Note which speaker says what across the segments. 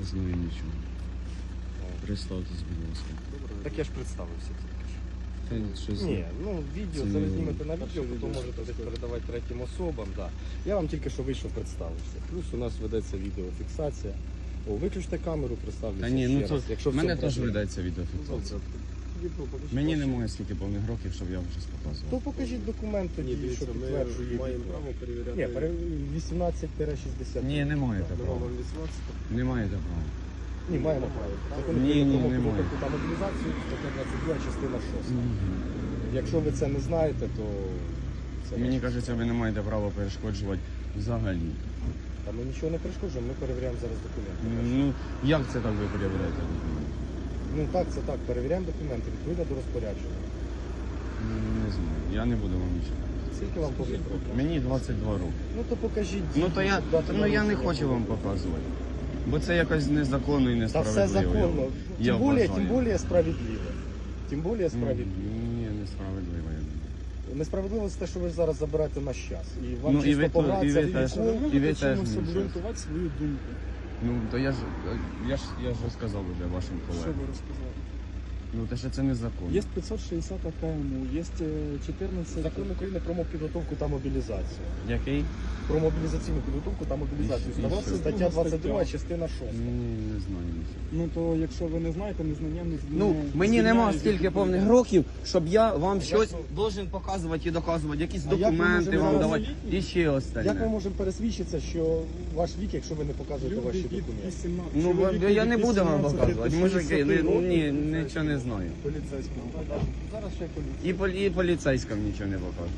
Speaker 1: Не знаю нічого. Представтесь, будь ласка.
Speaker 2: Так я ж представився тільки ж.
Speaker 1: Та щось...
Speaker 2: Ні, ну відео,
Speaker 1: Це
Speaker 2: це ви
Speaker 1: не-
Speaker 2: знімете на
Speaker 1: А
Speaker 2: відео,
Speaker 1: що
Speaker 2: потім
Speaker 1: відео?
Speaker 2: можете десь передавати третім особам. Да. Я вам тільки що вийшов представився. Плюс у нас ведеться відеофіксація. О, виключте камеру, представлюся
Speaker 1: Та ні,
Speaker 2: ще
Speaker 1: ну
Speaker 2: раз.
Speaker 1: то
Speaker 2: Якщо в
Speaker 1: в мене
Speaker 2: цьому
Speaker 1: теж
Speaker 2: проблема.
Speaker 1: ведеться відеофіксація. Мені немає стільки повних років, щоб я вам щось
Speaker 2: То
Speaker 1: показував.
Speaker 2: покажіть документ тоді,
Speaker 3: Ні, дивіться,
Speaker 2: що
Speaker 3: ми
Speaker 2: підтверджує.
Speaker 3: маємо
Speaker 2: відео.
Speaker 3: право перевіряти.
Speaker 2: Ні, 18-60.
Speaker 1: Ні, не маєте
Speaker 3: Нема
Speaker 1: права.
Speaker 3: вам 18.
Speaker 1: Не маєте права.
Speaker 2: Ні, маємо право. Закон
Speaker 1: Ні,
Speaker 2: України
Speaker 1: ні,
Speaker 2: про
Speaker 1: немає.
Speaker 2: підготовку та мобілізацію, стаття 22, частина 6. Якщо ви це не знаєте, то це
Speaker 1: Мені
Speaker 2: ваше.
Speaker 1: кажеться, ви не маєте права перешкоджувати взагалі.
Speaker 2: Та ми нічого не перешкоджуємо, ми перевіряємо зараз документи.
Speaker 1: Ну, як це так ви перевіряєте документи?
Speaker 2: Ну так, це так, перевіряємо документи, відповідно до розпорядження.
Speaker 1: Ну, не знаю, я не буду вам нічого.
Speaker 2: Скільки вам повних років?
Speaker 1: Мені 22 роки.
Speaker 2: Ну то покажіть.
Speaker 1: Ну то я,
Speaker 2: дату
Speaker 1: ну, я не
Speaker 2: народження.
Speaker 1: хочу вам показувати. Бо це якось незаконно і
Speaker 2: Та
Speaker 1: несправедливо.
Speaker 2: все законно.
Speaker 1: Я
Speaker 2: Тим більше,
Speaker 1: вважаю.
Speaker 2: тим більше справедливо. Тим більше справедливо.
Speaker 1: Ні, несправедливо. я думаю.
Speaker 2: Несправедливо це те, що ви зараз забираєте наш час. І вам
Speaker 1: Ну, і
Speaker 2: чисто
Speaker 1: ви
Speaker 2: погратися,
Speaker 1: і ви теж.
Speaker 2: відійшли.
Speaker 1: І ви теж
Speaker 3: чимось
Speaker 1: не
Speaker 3: обґрунтувати свою думку.
Speaker 1: Ну, то я ж розказав вже вашим
Speaker 3: Що
Speaker 1: колегам.
Speaker 3: ви розказали?
Speaker 1: Ну, те, що це незаконно.
Speaker 3: Є 560 КМУ, є 14...
Speaker 2: Закон України про підготовку та мобілізацію.
Speaker 1: Який?
Speaker 2: Про мобілізаційну підготовку та мобілізацію.
Speaker 1: І
Speaker 2: Здавався
Speaker 1: що?
Speaker 2: стаття 22,
Speaker 3: Стаття.
Speaker 2: частина 6.
Speaker 1: Ні, не знаю нічого.
Speaker 3: Ну то якщо ви не знаєте, незнання не
Speaker 1: Ну, мені нема стільки повних років, щоб я вам щось должен показувати і доказувати, якісь
Speaker 2: А як ми
Speaker 1: документи
Speaker 2: можемо
Speaker 1: вам
Speaker 2: зараз
Speaker 1: давати. І ще
Speaker 2: Як ми
Speaker 1: остальне.
Speaker 2: можемо пересвідчитися, що ваш вік, якщо ви не показуєте
Speaker 3: Люди
Speaker 2: ваші
Speaker 3: від
Speaker 2: документи?
Speaker 3: 18.
Speaker 1: Ну,
Speaker 3: чоловіки
Speaker 1: я не
Speaker 3: від
Speaker 1: буду вам
Speaker 3: 18
Speaker 1: показувати.
Speaker 3: до
Speaker 1: Мужики,
Speaker 3: 60 років.
Speaker 1: ні, нічого не знаю.
Speaker 3: Поліцейському.
Speaker 2: Зараз ще поліція.
Speaker 1: І поліцейським нічого не покажу.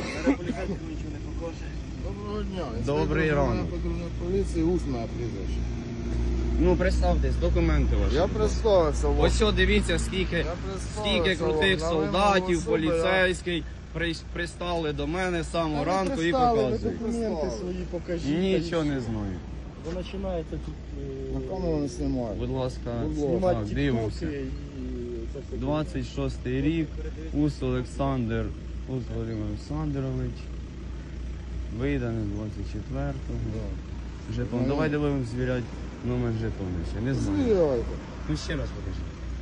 Speaker 4: Доброго дня.
Speaker 1: Добрий ранок.
Speaker 4: Патрульної поліції, усне прізвище.
Speaker 1: Ну, представтесь, документи ваші.
Speaker 4: Я представився вам.
Speaker 1: Ось що, дивіться, скільки
Speaker 4: Я представився
Speaker 1: скільки крутих
Speaker 4: вам. На вимогу
Speaker 1: солдатів,
Speaker 4: особи
Speaker 1: поліцейський пристали до мене з самого
Speaker 4: Ви
Speaker 1: ранку і
Speaker 4: пристали, ви
Speaker 1: показують.
Speaker 2: Документи свої покажіть.
Speaker 1: Нічого не знаю.
Speaker 2: Ви починаєте тут
Speaker 4: На камеру не знімаю.
Speaker 1: Будь ласка,
Speaker 2: знімати
Speaker 1: так, дивимося.
Speaker 2: тіктоки і це все.
Speaker 1: 26-й рік, Ус Олександр, Ус Володимир Олександрович. Виданий 24-го. Жетон.
Speaker 4: Ну,
Speaker 1: Давайте будемо звіряти номер жетону ще. Не знаю.
Speaker 4: Звіряйте.
Speaker 1: Ну ще раз покажи.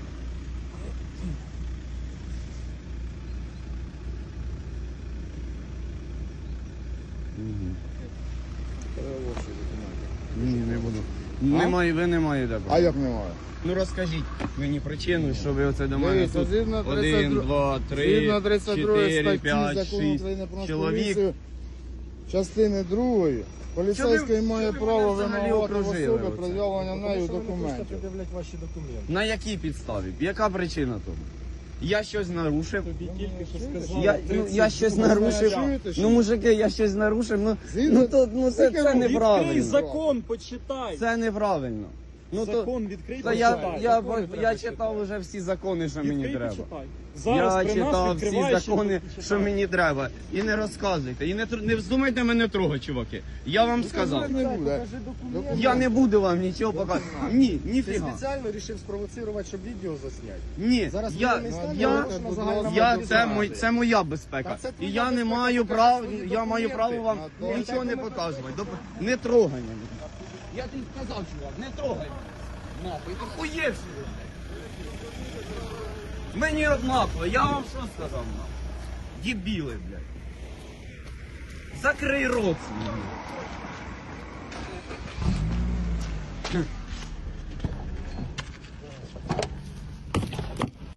Speaker 1: Угу.
Speaker 4: Перевозчі документи.
Speaker 1: Ні, не буду. Немає, ви не маєте права.
Speaker 4: А як немає?
Speaker 1: Ну розкажіть мені причину, що ви оце до мене
Speaker 4: Дивіться,
Speaker 1: тут
Speaker 4: згідно
Speaker 1: 1, 2, 3,
Speaker 4: Згідно 32
Speaker 1: 4,
Speaker 4: статті
Speaker 1: 5,
Speaker 4: Закону
Speaker 1: 6
Speaker 4: України про
Speaker 1: чоловік.
Speaker 4: поліцію, частини 2, поліцейський має
Speaker 1: що ви
Speaker 4: право
Speaker 1: мене взагалі
Speaker 4: вимагати в
Speaker 1: окружили
Speaker 4: особи
Speaker 1: оце?
Speaker 4: пред'явлення
Speaker 2: Тому
Speaker 4: нею
Speaker 2: що ви не хочете
Speaker 4: документів.
Speaker 2: пред'являти ваші документи.
Speaker 1: На якій підставі? Яка причина того? Я щось нарушив.
Speaker 3: Тобі тільки що сказали.
Speaker 1: Я щось нарушив.
Speaker 4: Чуєте, що?
Speaker 1: Ну, мужики, я щось нарушив.
Speaker 4: Згідно-
Speaker 1: Це
Speaker 3: Відкрий
Speaker 1: неправильно.
Speaker 3: закон, почитай.
Speaker 1: Це неправильно. Ну то
Speaker 3: Закон відкрий,
Speaker 1: та
Speaker 3: почитай.
Speaker 1: я читав уже всі закони, що мені
Speaker 3: Відкрий,
Speaker 1: треба.
Speaker 3: почитай. Зараз
Speaker 1: Я
Speaker 3: при нас
Speaker 1: читав всі
Speaker 3: відкриваєш і
Speaker 1: закони,
Speaker 3: почитай.
Speaker 1: що мені треба. І не розказуйте. І не вздумайте мене трогати, чуваки. Я вам сказав.
Speaker 4: Не буде.
Speaker 2: Покажи документи.
Speaker 1: Я не буду вам нічого показувати. Ні,
Speaker 2: Ти
Speaker 1: ніфіга.
Speaker 2: спеціально вирішив спровоцирувати, щоб відео засняти.
Speaker 1: Ні,
Speaker 2: Зараз
Speaker 1: я,
Speaker 2: воєнний стан,
Speaker 1: я,
Speaker 2: оголошена загальна
Speaker 1: це моя безпека.
Speaker 2: Та це
Speaker 1: І
Speaker 2: твоя
Speaker 1: я не
Speaker 2: безпека,
Speaker 1: маю
Speaker 2: покажи
Speaker 1: права,
Speaker 2: свої
Speaker 1: я маю
Speaker 2: документи.
Speaker 1: право вам
Speaker 4: А то-
Speaker 1: нічого не показувати. Не трогай мене. Я тобі сказав, чувак, не трогай. Нахуй, ти хуєвший. Мені однаково, я вам що сказав, нахуй? Дебіли, блядь. Закрий рот свій.